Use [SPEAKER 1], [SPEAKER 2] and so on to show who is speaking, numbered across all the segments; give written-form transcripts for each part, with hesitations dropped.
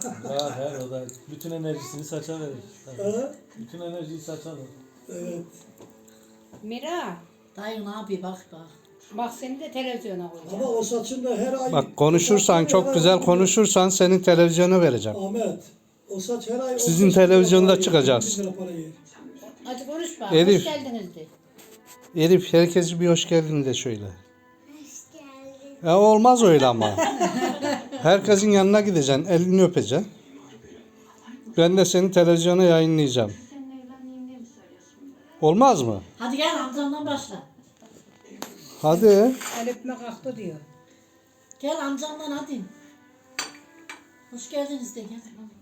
[SPEAKER 1] Her o da bütün enerjisini saça verir.
[SPEAKER 2] Ha?
[SPEAKER 1] Bütün enerjiyi saça verir.
[SPEAKER 2] Evet.
[SPEAKER 3] Mira,
[SPEAKER 4] Dayı ne yapıyor bak.
[SPEAKER 3] bak seni de televizyona
[SPEAKER 2] Ama
[SPEAKER 3] koyacağım.
[SPEAKER 2] o saçın da her ay...
[SPEAKER 5] Bak konuşursan, çok güzel konuşursan seni televizyona vereceğim.
[SPEAKER 2] Ahmet, o saç her ay...
[SPEAKER 5] Sizin
[SPEAKER 2] 15 lira
[SPEAKER 5] televizyonda
[SPEAKER 2] para yer,
[SPEAKER 5] çıkacaksın.
[SPEAKER 2] 20 lira para yer.
[SPEAKER 3] Hadi konuş bak.
[SPEAKER 5] Elif.
[SPEAKER 3] Hoş geldiniz de.
[SPEAKER 5] Elif herkese bir hoş geldin de şöyle. Ya olmaz öyle ama. Herkesin yanına gideceksin, elini öpeceksin. Ben de seni televizyona yayınlayacağım. Olmaz mı?
[SPEAKER 4] Hadi gel amcamdan başla.
[SPEAKER 5] Hadi.
[SPEAKER 3] El öpme kalktı diyor.
[SPEAKER 4] Gel amcamdan hadi. Hoş geldiniz de gel.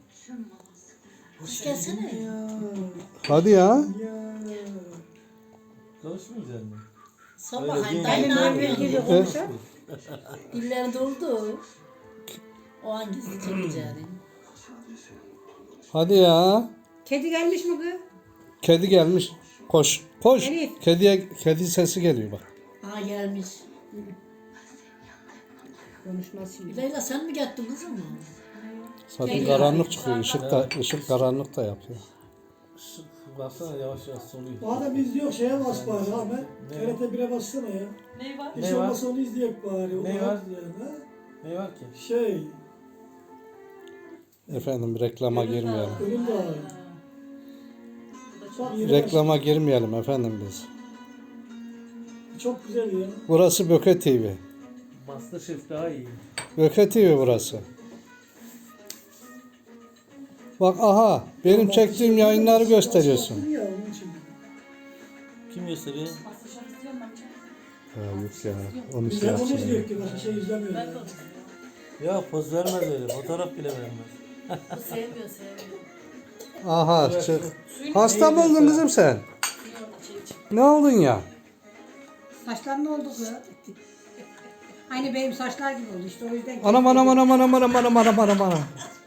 [SPEAKER 4] Hoş gelsene.
[SPEAKER 5] Hadi ya.
[SPEAKER 2] Ya.
[SPEAKER 1] Konuşmayacak mısın?
[SPEAKER 4] Sor
[SPEAKER 1] Öyle
[SPEAKER 4] bakayım
[SPEAKER 1] değil.
[SPEAKER 4] dayı ne
[SPEAKER 3] Benim gibi
[SPEAKER 4] yapıyorsun?
[SPEAKER 3] konuşuyor.
[SPEAKER 4] Dilleri doldu. O hangisi çekeceğini.
[SPEAKER 5] Hadi ya.
[SPEAKER 3] Kedi gelmiş mi kız?
[SPEAKER 5] Kedi gelmiş. Koş. Koş.
[SPEAKER 3] Elif.
[SPEAKER 5] Kedi sesi geliyor bak.
[SPEAKER 4] Aa gelmiş.
[SPEAKER 3] Konuşmaz şimdi.
[SPEAKER 4] Leyla sen mi gittin kızım?
[SPEAKER 5] Zaten
[SPEAKER 4] Kedi
[SPEAKER 5] karanlık
[SPEAKER 4] ya.
[SPEAKER 5] çıkıyor. Işık karanlık da yapıyor.
[SPEAKER 1] Baksana yavaş yavaş soluyor.
[SPEAKER 2] Madem izliyor şeye bas bari Ahmet. TRT 1'e bassana ya.
[SPEAKER 4] Ne var?
[SPEAKER 2] Hiç
[SPEAKER 1] Ne var?
[SPEAKER 2] olmazsa onu izleyek bari. O
[SPEAKER 1] Ne
[SPEAKER 2] rahat
[SPEAKER 1] var?
[SPEAKER 2] Yani, ha?
[SPEAKER 1] Ne var ki?
[SPEAKER 2] Şey,
[SPEAKER 5] Efendim reklama girmeyelim.
[SPEAKER 2] önüm de ağrıyor. Bak, yine
[SPEAKER 5] Reklama girmeyelim efendim biz.
[SPEAKER 2] çok güzel ya.
[SPEAKER 5] Burası Böke TV.
[SPEAKER 1] Masterchef daha iyi.
[SPEAKER 5] Böke TV burası. Bak aha benim çektiğim yayınları gösteriyorsun.
[SPEAKER 2] Ya, onun için.
[SPEAKER 1] Kim gösteriyor?
[SPEAKER 5] Ha, yok ya. Onu
[SPEAKER 2] Biz
[SPEAKER 5] şey
[SPEAKER 2] hep onu
[SPEAKER 5] yapsın.
[SPEAKER 2] izliyoruz ki başka şey izlemiyoruz. Ya.
[SPEAKER 1] Ya poz vermez öyle. Fotoğraf bile vermez.
[SPEAKER 4] Bu sevmiyor sevmiyor.
[SPEAKER 5] Aha çık. Hasta mı oldun kızım sen? Ne oldun ya?
[SPEAKER 3] Saçlar ne oldu kız? Aynı benim saçlar gibi oldu işte o yüzden.
[SPEAKER 5] Anam.